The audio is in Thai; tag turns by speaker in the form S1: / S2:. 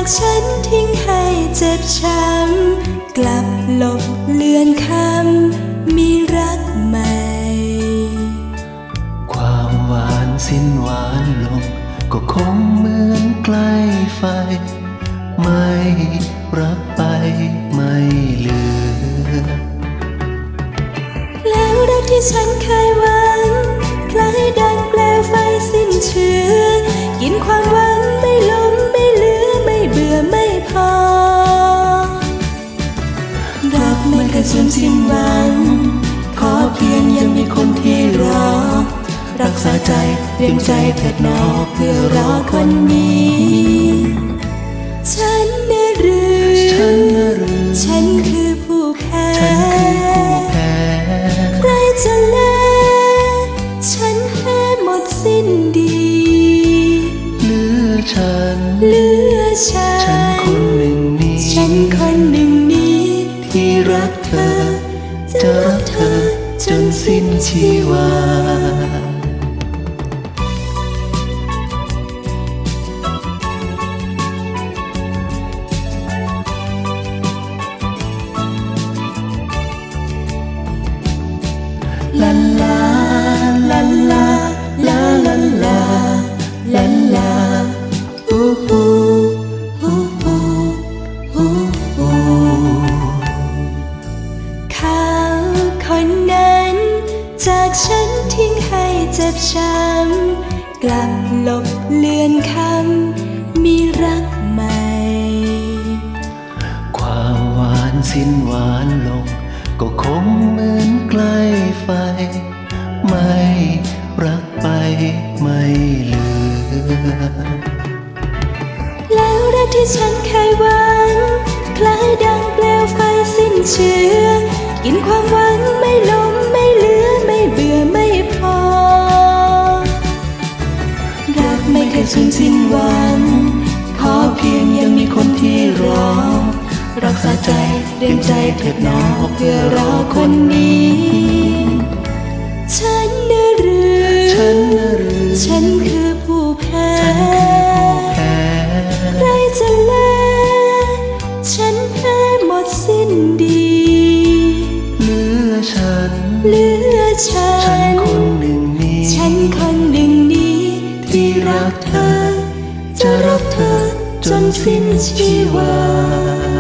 S1: จากฉันทิ้งให้เจ็บช้ำกลับหลบเลือนคำมีรักใหม่
S2: ความหวานสิ้นหวานลงก็คงเหมือนใกล้ไฟไม่รักไปไม่เหลือ
S1: แล้วรักที่ฉันเคยหวังคล้ายดังเปลวไฟสิ้นเชื้อกินความหวังไม่ล้มไม่เหลือไม่เบื่อไม่พอรักไม่เคยสูญสิ้นหวังขอเพียงยังมีคนที่รอรักษาใจเตรียมใจเถิดหนอเพื่อรอคนนี้ฉันน่ะหรือฉันคือผู้แพ้ใครจะแลฉันแพ้หมดสิ้นดี
S2: เหลือฉันคนหนึ่งนี้
S1: ฉันคนหนึ่งนี้
S2: ที่รักเธอจะรักเธอจนสิ้นชีวาลาลาลาลาลาลาลาลาลาฮูฮูฮูฮูฮูฮู
S1: เขาคนนั้นจากฉันทิ้งให้เจ็บช้ำกลับหลบเลือนคำมีรักใหม่
S2: ความหวานสิ้นหวานลงก็คงเหมือนใกล้ไฟไม่รักไปไม่เหลือ
S1: แล้วรักที่ฉันเคยหวังคล้ายดังเปลวไฟสิ้นเชื้อกินความหวังไม่ล้มไม่เหลือไม่เบื่อไม่พอรักไม่เคยสูญสิ้นหวังขอเพียงยังมีคนที่รอรักษาใจเตรียมใจเถิดหนอเพื่อรอคนนี้ฉันน่ะหรือฉันคือผู้แพ้ใครจะแลฉันแพ้หมดสิ้นดี
S2: เหลือฉันคนหนึ่งนี้
S1: ฉันคนหนึ่งนี้
S2: ที่รักเธอจะรักเธอจนสิ้นชีวา